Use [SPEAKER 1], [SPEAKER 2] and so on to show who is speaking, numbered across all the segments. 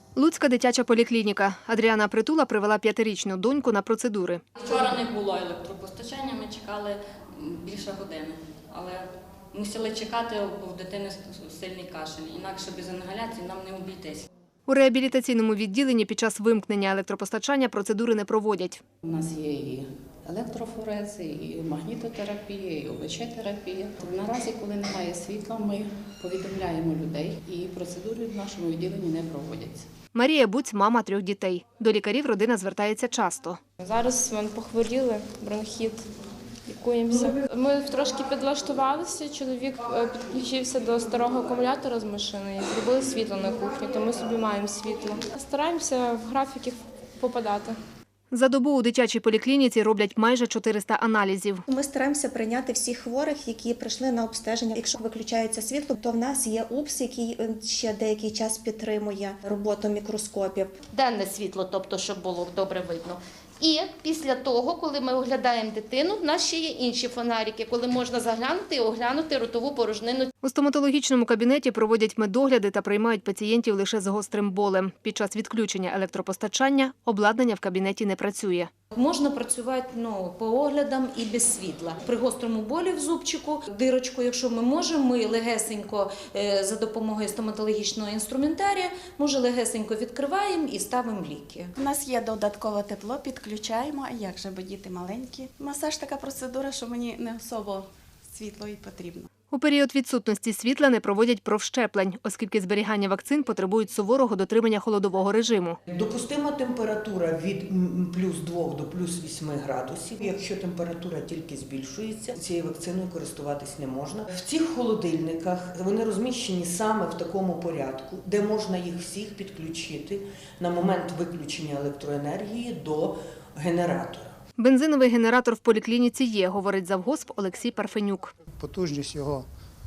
[SPEAKER 1] Луцька дитяча поліклініка. Адріана Притула привела 5-річну доньку на процедури.
[SPEAKER 2] Вчора не було електропостачання, ми чекали більше години. Але мусили чекати, бо в дитини сильний кашель. Інакше без інгаляції нам не обійтись.
[SPEAKER 1] У реабілітаційному відділенні під час вимкнення електропостачання процедури не проводять.
[SPEAKER 3] У нас є і електрофорези, і магнітотерапія, і ОВЧ-терапія. Наразі, коли немає світла, ми повідомляємо людей, і процедури в нашому відділенні не проводяться.
[SPEAKER 1] Марія Буць – мама 3 дітей. До лікарів родина звертається часто.
[SPEAKER 4] Зараз ми похворіли, бронхіт, лікуємося. Ми трошки підлаштувалися, чоловік підключився до старого акумулятора з машини і зробили світло на кухні, то ми собі маємо світло. Стараємося в графіки попадати.
[SPEAKER 1] За добу у дитячій поліклініці роблять майже 400 аналізів.
[SPEAKER 5] Ми стараємося прийняти всіх хворих, які прийшли на обстеження. Якщо виключається світло, то в нас є УПС, який ще деякий час підтримує роботу мікроскопів.
[SPEAKER 6] Денне світло, тобто, щоб було добре видно. І після того, коли ми оглядаємо дитину, в нас ще є інші фонарики, коли можна заглянути і оглянути ротову порожнину.
[SPEAKER 1] У стоматологічному кабінеті проводять медогляди та приймають пацієнтів лише з гострим болем. Під час відключення електропостачання обладнання в кабінеті не працює.
[SPEAKER 7] Можна працювати по оглядам і без світла. При гострому болі в зубчику, дирочку, якщо ми можемо, ми легесенько за допомогою стоматологічного інструментарія, легесенько відкриваємо і ставимо ліки.
[SPEAKER 8] У нас є додаткове тепло, підключаємо, а як же, бо діти маленькі. Масаж така процедура, що мені не особо світло і потрібно.
[SPEAKER 1] У період відсутності світла не проводять профщеплень, оскільки зберігання вакцин потребують суворого дотримання холодового режиму.
[SPEAKER 9] Допустима температура від плюс 2 до плюс 8 градусів. Якщо температура тільки збільшується, цією вакциною користуватись не можна. В цих холодильниках вони розміщені саме в такому порядку, де можна їх всіх підключити на момент виключення електроенергії до генератора.
[SPEAKER 1] Бензиновий генератор в поліклініці є, говорить завгосп Олексій Парфенюк.
[SPEAKER 10] Потужність його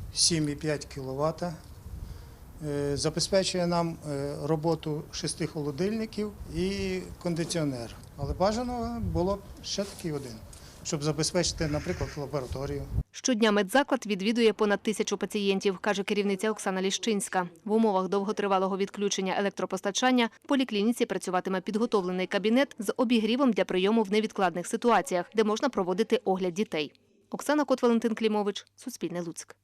[SPEAKER 10] 7,5 кВт. Забезпечує нам роботу 6 холодильників і кондиціонер. Але бажано було б ще такий один, щоб забезпечити, наприклад, лабораторію.
[SPEAKER 1] Щодня медзаклад відвідує понад 1000 пацієнтів, каже керівниця Оксана Ліщинська. В умовах довготривалого відключення електропостачання в поліклініці працюватиме підготовлений кабінет з обігрівом для прийому в невідкладних ситуаціях, де можна проводити огляд дітей. Оксана Кот, Валентин Клімович, Суспільне Луцьк.